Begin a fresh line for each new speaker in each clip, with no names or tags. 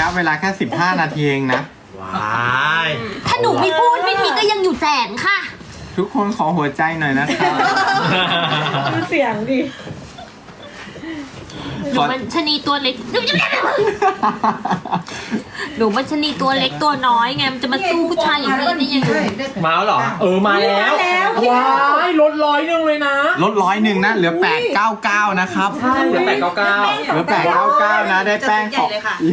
ะเวลาแค่15 นาทีเองนะ
ว้าย
ถ้าหนูไม่พูดพี่พีก็ยังอยู่แสนค่ะ
ทุกคนขอหัวใจหน่อยนะครับ
ดูเสียงดิ
หนูมันชะนีตัวเล็ก หนูมันชะนีตัวเล็กตัวน้อยไงมันจะมาสู้ผู้ชายอย่างนี้ได้ยังไง
มาแล้วเหรอมาแล้ว
มาแล้ว
ว้ายลด100เลยนะ
ลด100นะเหลือ899นะครับ
ใช่เหลือ899
เหลือ899นะได้แป้งของ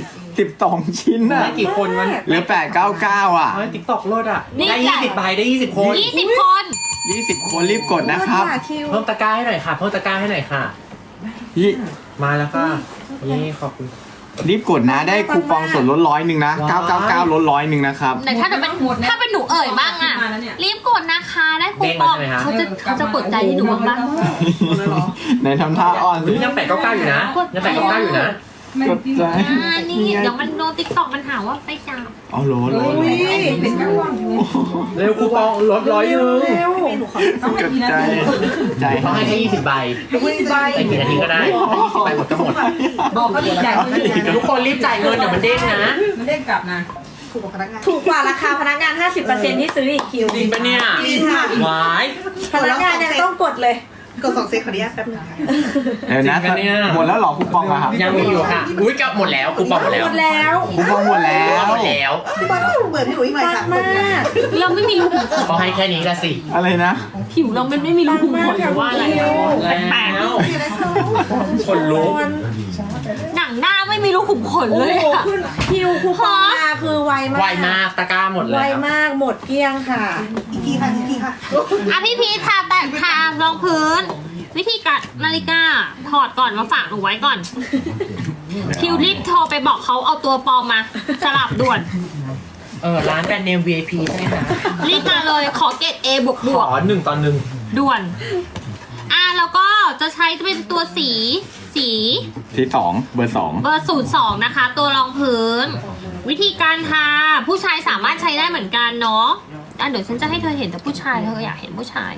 12 ชิ้นนะ
ได้กี่คนมัน
เหลือ899อ่ะ
ติ๊กต็อกลดอ่ะ
นี่
ได้
จ้ะ
20 ใบได้20 คน
20 คน
20 คนรีบกดนะครับ
เพิ่มตะกร้าให้หน่อยค่ะเพิ่มตะกร้าให้หน่อยค่ะ
ยี่
มาแล้วค่ะนี่ขอบคุณ
รีบกดนะได้คูปองส่วนลด100นะ 999ลด100นะครับ
แต่ถ้าหนูเป็นหนูเอ่ยบ้างอะรีบกดนะคะได้คูปองเขาจะกดใจที่หนูบ้างปะ
ในทำท่าอ่อนสิ
ยัง899อยู่นะยัง899อยู่นะ
กดใจ
นี่เดี๋ยวมันโดนติ๊กต็อกมันหาว่าไปจับ
เอาโหล
เป็นกระวังอยู่
เร็วคูปองลด100นึง
เร็ว
กดใจใจ
ต้องให้แค่20 ใบ
20 ใบ
แต่กี่นาทีก็ได้20 ใบหมดก็หมด
บอกเขาดีใจ
ทุกคนรีบจ่ายเงินเดี๋ยวมันเด้งนะ
มันเด้งกลับนะถูกกว่าราคาพนักงาน 50% ที่ซื้ออีกคิว
จริงปะเนี่ย
จริงค่ะ
วาย
พนักงานยังต้องกดเลย
กด2 เซตขออนุญาตแป๊บนึงค่ะ
เดี๋ยวนะหมดแล้วเหรอคูปองอะครับ
ยังมีอยู่ค่ะอุ้ยกลับหมดแล้วคูปองหมดแล้ว
หมดแล้ว
คูปองหมดแล้ว
หมดแล้ว
พี่บอลเปิดให้หนูอีกหน่อย
ปั
ค่ะ
งมาก
เราไม่มีรูขุมขน
เขาให้แค่นี้ก็สิ
อะไรนะ
ผิวเรามันไม่มีรูขุมขนหรือว่าอะไร
แล้วคนลุก
หนังหน้าไม่มีรูขุมขน
โอ้
เลย
โห
อะ
ขึ้นคิวคูปองมาคือไวมาก
ไวมากตะกร้าหมด
ไว
แล้ว
มากหมดเกลี้ยงค่ะ
อีกทีค่ะ อีกทีค่ะ
อ่ะพี่พีทาแต่ทารองพื้น วิธีการนาฬิกาถอดก่อนมาฝากหนูไว้ก่อน คิวรีบโทรไปบอกเขาเอาตัวปลอมมา สลับด่วน
ร้านแบรนด์เนม VIP ใช่ไหมคะ
รีบมาเลยขอเกรด A บวก
ขอ1 ต่อ 1
ด่วน แล้วก็จะใช้เป็นตัวสี
ที่2เบอร์
เบอร์02นะคะ ตัวรองพื้น วิธีการทาผู้ชายสามารถใช้ได้เหมือนกันเนาะเดี๋ยวฉันจะให้เธอเห็นแต่ผู้ชายเธออยากเห็นผู้ชาย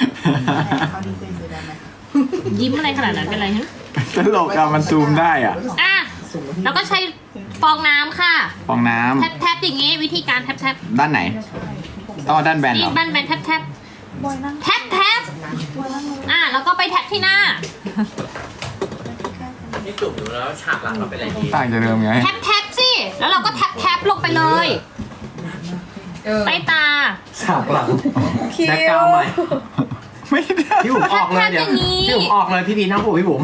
2
เขาดีเซนซื้อได้ไหมคะ
ยิ้มอะไรขนาดนั้นเป็นไรฮะ
ตลกอะมันซูมได้อ่ะ
แล้วก็ใช้ฟองน้ำค่ะ
ฟองน้
แทบอย่างงี้วิธีการแทบ
ำด้านไหนต้องเอาด้านแบนเหร
นี่
อ
แบนแทบแล้วก็ไปแท็บที่หน้า
นี่จุ่มดูแล้วฉากหลังเราเป็นอะไรดี
ต่างจากเดิมไง
แทบสิแล้วเราก็แทบลงไปเลยใต้ตา
ฉากหลัง
คิว
แบ็คกราวด์ใหม่
ไม่ได้
พี่บุ๋มออกเลยเดี๋ยวพี่บุ๋มออกเลยพี่พีนั่งผูกพี่บุ๋ม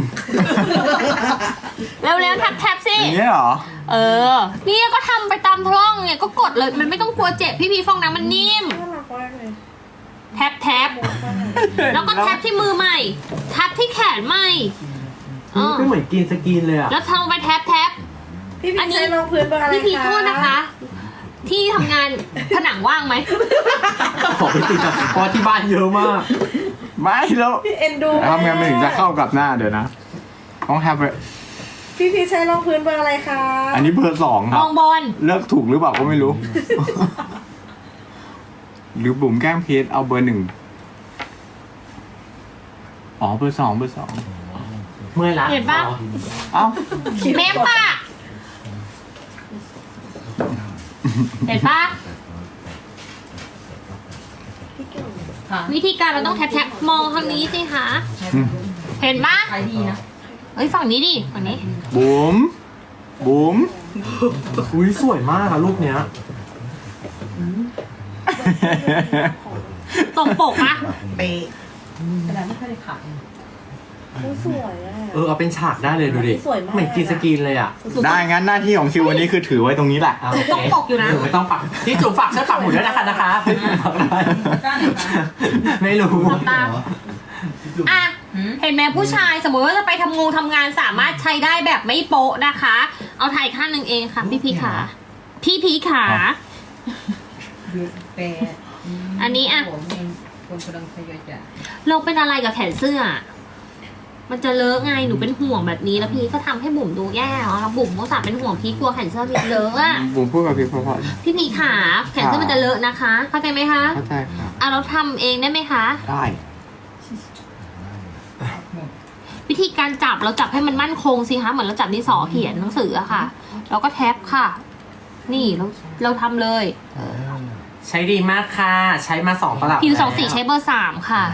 เร็วๆแทบสิ
อย่างเงี้ยเหรอ
นี่ก็ทำไปตามท้องไงก็กดเลยมันไม่ต้องกลัวเจ็บพี่ฟองน้ำมันนิ่ม
น่ารักมากเลย
แทบแล้วก็แทบที่มือใหม่แทบที่แขนใหม่
ไม่เหมือนกินสกินเลยอ่ะ
แล้วทำไปแทบ
พี่
อั
พี
นนี้
ใช้รองพื้นเบอร์อะไร
พี่พีโทษนะคะ ที่ทำงานผนังว่างไหม
ขอไปติดกับเพราะที่บ้านเยอะมาก
ไม่แล้ว
พี่เอ็นดู
ทำไงมันถึงจะเข้ากับหน้าเดี๋ยวนะต้องแฮปปี้
พี่พีใช้รองพื้นเบอร์อะไรคะ
อันนี้เบอร์2ค
ม
รั
อบ งบอล
เลือกถูกหรือเปล่าก็ไม่รู้ หรือบุ๋มแกล้งพีทเอาเบอร์ 1อ๋อเบอร์ 2เบอร์
เมื่อยละ
เห็นปะ
2เอ้า
เมมปะเห็นปะวิธีการเราต้องแทบมองทางนี้สิคะเห็นปะ
ขายดีนะ
เฮ้ยฝั่งนี้ดิฝั่งนี้
บุ๋ม
อุ้ยสวยมากอะรูปเนี้ย
ตรงปกปะ
เป๊ะ
สวยอ่ะ
เอาเป็นฉากได้เลยดูดิ
สวยมาก
เหมือนกินสกินเลยอ่ะ
ได้งั้นหน้าที่ของคิววันนี้คือถือไว้ตรงนี้แหละ
โอเคหนูไม่ต้องปักที่จุ๋มฝากช่วยปักหมุดด้วยนะคะไม่รู้
ตามเห็นไหมผู้ชายสมมติว่าจะไปทำงานสามารถใช้ได้แบบไม่โป๊ะนะคะ เอาถ่ายข้างหนึ่งเองค่ะ พี่พีขาอันนี้เราเป็นอะไรกับแขนเสื้อ มันจะเลอะไงหนูเป็นห่วงแบบนี้แล้วพี่ก็ทำให้บุ๋มดูแย่แล้วบุ๋มก็สาเป็นห่วงพี่กลัวแขนเสื้อพี่เลอะอะ
บุ๋มพูดกับพี่เพราะ
พี่พีขาแขนเสื้อมันจะเลอะนะคะเข้าใจไหมคะ
เข้าใจครับ
เราทำเองได้ไหมคะ
ได้
วิธีการจับเราจับให้มันมั่นคงสิคะเหมือนเราจับดินสอเขียนหนังสืออะค่ะแล้วก็แท็บค่ะ นี่เราทำเลย
ใช้ดีมากค่ะ ใช้มา2 ตลับ
ผิว
แล้ว
24ใช้เบอร์ 3 ค่ะ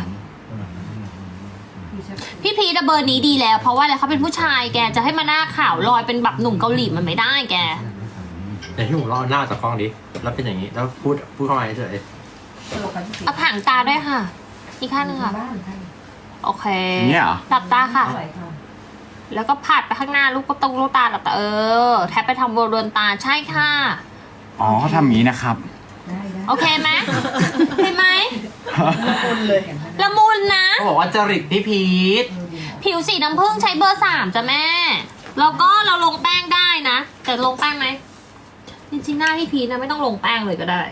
พี่พีดเบอร์นี้ดีแล้ว เพราะว่าอะไรเขาเป็นผู้ชายแกจะให้มาหน้าขาวลอยเป็นแบบหนุ่มเกาหลีมันไม่ได้แก
เดี๋ยวพี่หมูรอหน้าจากกล้องดิแล้วเป็นอย่างนี้แล้วพูดเข้ามาเฉย
เอาผางตาด้วยค่ะ อีกข้างหนึงค่ะ โอเค
เนี่ยเหรอ
หลับตาค่ะ แล้วก็ผาดไปข้างหน้าลูกก็ตรงลูกตาหลับตาแทบไปทำบริเวณตาใช่ค่ะ
อ๋อเขาทำอย่างนี้นะครับ
โอเคไหมเห็นไหม
คนเลย
ละมุนนะ
เขาบอกว่าจริตพี่พีท
ผิวสีน้ำผึ้งใช้เบอร์ 3จ้ะแม่ แล้วก็เราลงแป้งได้นะ แต่ลงแป้งไหมจริงๆหน้าพี่พีชนะไม่ต้องลงแป้งเลยก็ได้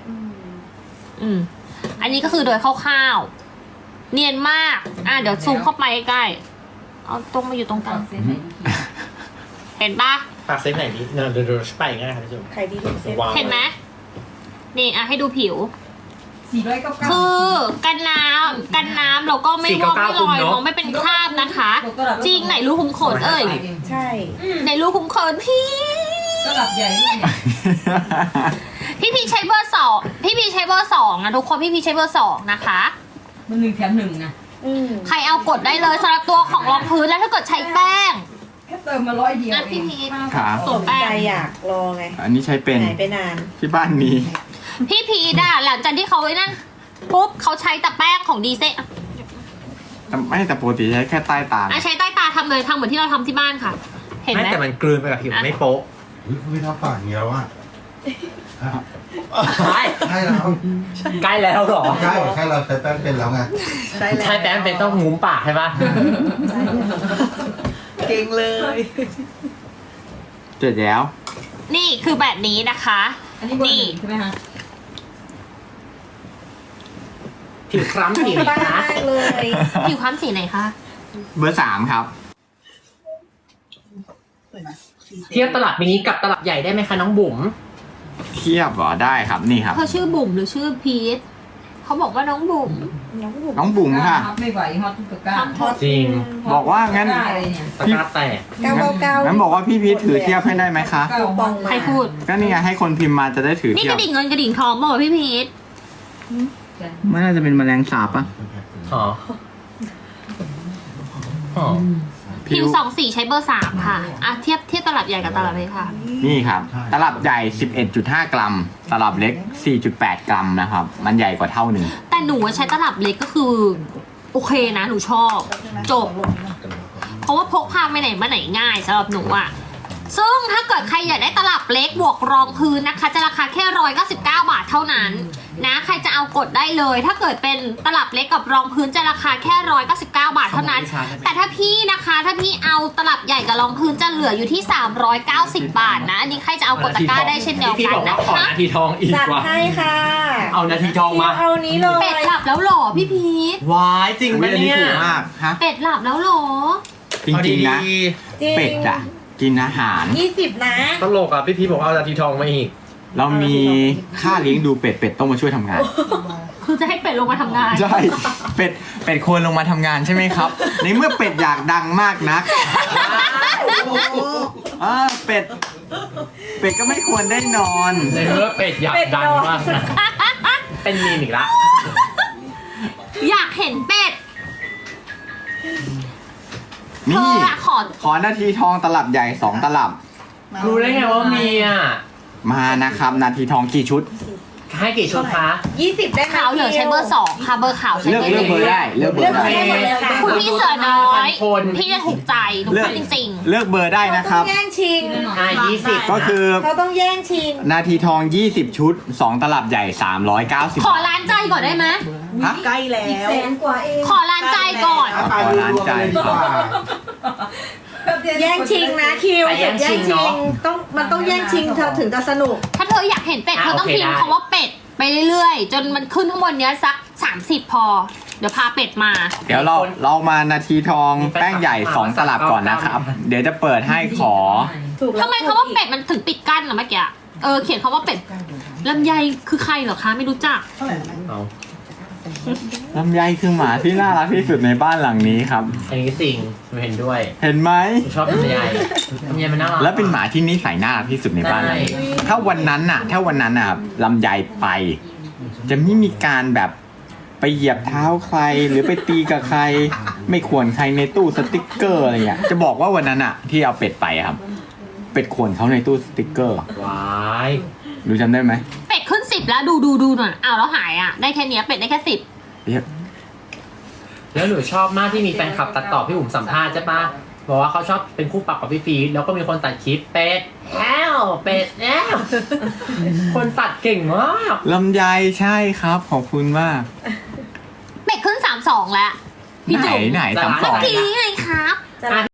อันนี้ก็คือโดยคร่าวๆเนียนมากเดี๋ยวซูมเข้าไปใกล้ๆเอาตรงมาอยู่ตรงกลางเห็นปะ
ปากเซฟไหนดีเดี๋ยวไปง่ายครับพี่จุ๊บ
ใครดีที่สุด
เห็นไหมนี่ให้ดูผิว
499
คือกันน้ำเราก็ไม่วอกไม่ลอยมองไม่เป็นคราบนะคะ จริงไหนรูขุมขนเอ้ย
ใช่
ไหนรูขุมขนพี่
ตลับใหญ่นี่
พี่พีใช้เบอร์ 2พี่พีใช้เบอร์ 2นะทุกคนพี่พีใช้เบอร์ 2นะคะ
มัน1 แถม 1นะ
ใครเอากดได้เลยสำหรับตัวของรองพื้นแล้วถ้าเกิดใช้แป้ง
แค่เติมมา100 เดียว
อ่ะ
เอ
พี่
ง
พีช
ครับ
สนใจอยากรอไง
อันนี้ใช้เป็น
หายไปนาน
ที่บ้านมี
พี่พีดหลังจากที่เขาไอ้นั่นปุ๊บเขาใช้แต่แป้งของดีเซ
ไม่แต่ปกติใช้แค่ใต้ตา
ใช้ใต้ตาทำเลยทำเหมือนที่เราทำที่บ้านค่ะ เห็น
ไม่
ไหม
แต่มันกลืนไปกับผิวไม่โป๊ะ
ไม่ทำปากอย่างนี้แล้วอ่ะ
ใช่
ใช่แล้ว
ใกล้แล้วเหรอ
ใช่แค่เราใช้แป้งเป็นแล้วไง
ใช่แล้ว
ใช่แป้งเป็นต้องงุ้มปากใช่ปะ
เก่งเลย
เสร็จแล้ว
นี่คือแบบนี้นะคะ
อันนี้เบอร์ 1ใช่ไหมคะ
ผิวคล้ำผิว
บ้าม
าก
เลย
ผิวคล้ำสีไหนคะ
เบอร์ 3 ครับ
สวยไหมสีเซ
เทียบตลับมินิกับตลับใหญ่ได้ไหมคะน้องบุ๋ม
เทียบเหรอได้ครับนี่ครับ
เธอชื่อบุ๋มหรือชื่อพีทเขาบอกว่าน้องบุ๋ม
น้องบุ๋มค่ะ
ฮอตไม่ไหวฮอตทุกตะกร้า
ทำ
จริง
บอกว่างั้น
ได้เลยเนี่ย
ตะกร้าแตก
999
งั้นบอกว่าพี่พีทถือเทียบให้ได้ไหมคะ
เก้า
ปองมา
ใครพูด
ก็นี่ไงให้คนพิมพ์มาจะได้ถือ
นี่
เที
ก
ยบ
ระดิ่งเงินกระดิ่งทองบอกพี่พีท
ไม่น่าจะเป็นแมลงสาบปะ
หอหอ
ผิว24ใช้เบอร์ 3 ค่ะเทียบตลับใหญ่กับตลับเล็กค่ะ
นี่ครับ ตลับใหญ่ 11.5 กรัม ตลับเล็ก 4.8 กรัมนะครับ มันใหญ่กว่าเท่าหนึ่ง
แต่หนูใช้ตลับเล็กก็คือโอเคนะหนูชอบจบ เพราะว่าพกพาไปไหนมาไหนง่ายสำหรับหนูอ่ะ ซึ่งถ้าเกิดใครอยากได้ตลับเล็กบวกรองพื้นนะคะ จะราคาแค่199 บาทเท่านั้นนะใครจะเอากดได้เลย ถ้าเกิดเป็นตลับเล็กกับรองพื้นจะราคาแค่199 บาทเท่านั้น แต่ถ้าพี่นะคะถ้าพี่เอาตลับใหญ่กับรองพื้นจะเหลืออยู่ที่390 บาทนะอันนี้ใครจะเอากดตะกร้าได้เช่นเดียว
พี่
กัน
บอกว่า
นะ
ขอ
คะ
นาทีทองอีก
จัด
ว่า
ให้ค่ะ
เอานาทีทองมา
เอานี้เลย
เป็ดหลับแล้วเหรอพี่พีท
วายจริง
อุ๊
ปะ
ยอันนี้
เนี่ย
ถูกมากฮะ
เป็ดหลับแล้วเหรอ
จริงๆนะ
จริง
เป็ดอะกินอาหาร
20 นะ
ตลกอ่ะพี่พีบอกเอานาทีทองมาอีก
เรามีค่าเลี้ยงดูเป็ดต้องมาช่วยทำงาน
คือจะให้เป็ดลงมาทำงาน
ใช่ เป็ดควรลงมาทำงานใช่ไหมครับ ในเมื่อเป็ดอยากดังมากนัก
โอ้โห
เป็ดก็ไม่ควรได้นอน
ในเมื่อเป็ดอยากดังมากนะเป็นมีมอีกละ
อยากเห็นเป็ดเธ
นี่
ออะ
ขอนาทีทองตลับใหญ่ 2 ตลับ
รู้ได้ไงว่ามีอ่ะ
มานะครับ นาทีทองกี่ชุด
ให้กี่ชุดคะ
20 ได้ไหม
ขาวเหลือใช้เบอร์ 2 ค่ะ เบอร์ขาวใช้
เลือก
เบอร์
เบอร์ได้ เลือกเบอ
เลือก
ร์ได้
ให้หมดเลยค่ะ
คุณพี่เสือน้อย
คน
พี่จะถูกใจหนู
เลือก
พูดจริง
เลือกเบอร์ได้นะค
ต้
รั
อบ งแย่งชิง
20
ก็คือ
เขาต้องแย่งชิง
นาทีทอง 20 ชุด 2 ตลับใหญ่ 390
ๆ ขอร้านใจก่อนได้ไหม
ฮะ
ใกล้แล้ว
100,000 กว่าเอง
ขอร้านใจก่อน
ขอร้านใจครับ
แย่งชิงนะคิว
ไปแย่งชิงเนอะ
มันต้องแย่งชิงเธอถึงจะสนุก
ถ้าเธออยากเห็นเป็ดเธอต้อง
โอเค
พิมพ์
ได้
คำว่าเป็ดไปเรื่อยๆ จนมันขึ้นข้างบนเนี้ยสัก 30 พอ เดี๋ยวพาเป็ดมา
เดี๋ยวเรามานาทีทองแป้งใหญ่ 2 ตลับก่อนนะครับ เดี๋ยวจะเปิดให้ขอ
ถูกแล้ว
ทำไมคำว่าเป็ดมันถึงปิดกั้นอะเมื่อกี้เขียนคำว่าเป็ดลำไยคือใครเหรอคะไม่รู้จัก
เท่าไหร่นะแม่
เอา
ลำไยคือหมาที่น่ารักที่สุดในบ้านหลังนี้ครับ
อันนี้สิ่งหนูเห็นด้วย
เห็นไหม
หนูชอบลำไยลำไยมันน่ารัก
และเป็นหมาที่นิสัยน่ารักที่สุดในบ้านหลังนี้
ใช่
ถ้าวันนั้นน่ะลำไยไป จะไม่มีการแบบไปเหยียบเท้าใคร หรือไปตีกับใคร ไม่ควรใครในตู้สติกเกอร์อะไรเงี้ยจะบอกว่าวันนั้นอ่ะ ที่เอาเป็ดไปอะครับ เป็ดควรเขาในตู้สติกเกอร์
ว้าย
ดูจำได้ไหม
เป็ดขึ้น10แล้วดูหน่อยอ้าวแล้วหายอ่ะได้แค่เนี้ยเป็ดได้แค่10
เรียก
แล้วหนูชอบมากที่มีแฟนคลับตัดต่อพี่บุ๋มสัมภาษณ์ใช่ปะบอกว่าเขาชอบเป็นคู่ปรับกับพี่พีทแล้วก็มีคนตัดคลิปเป็ดแอวเป็ดแอวคนตัดเก่งมาก
ลำไยใช่ครับขอบคุณมาก
เป็ดขึ้น32แล้วพี่จุ๋ม
ไหน
จะ
สาม
ร้าน
สอง
เมื่อกี้ไงครับ
จะ